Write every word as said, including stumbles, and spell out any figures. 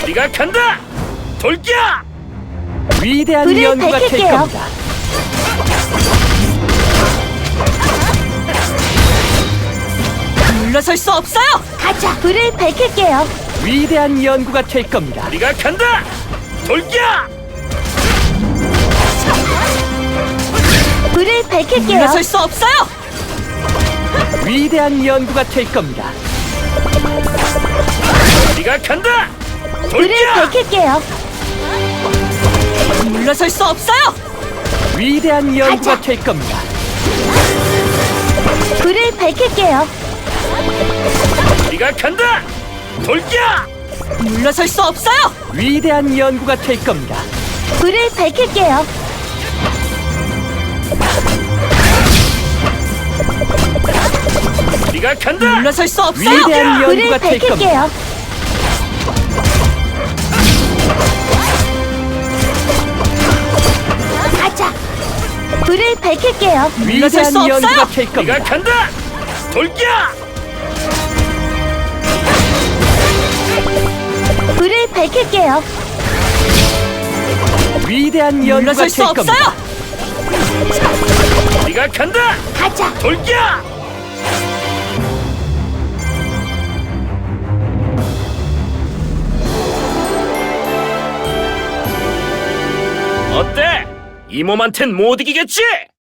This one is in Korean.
우리가 간다. 돌겨. 위대한 불을 연구가 될 밝힐게요. 겁니다. 물러설 수 없어요. 가자. 불을 밝힐게요. 위대한 연구가 될 겁니다. 우리가 간다. 돌겨. 불을 밝힐게요. 물러설 수 없어요. 위대한 연구가 될 겁니다. 우리가 간다. 불을 돌겨. 밝힐게요. 물러설 수 없어요. 위대한 연구가 가자. 될 겁니다. 불을 밝힐게요. 우리가 간다. 돌겨. 물러설 수 없어요. 위대한 연구가 될 겁니다. 불을 밝힐게요. 우리가 간다. 물러설 수 없어요. 위대한 불을 연구가 될 밝힐게요. 가자. 불을 밝힐게요. 물러설 수 위대한 연구가 없어요. 될 우리가 겁니다. 간다. 돌겨. 불을 밝힐게요. 위대한 연구가 물러설 수 될 겁니다. 없어요. 우리가 간다. 가자. 돌겨. 어때? 이 몸한텐 못 이기겠지?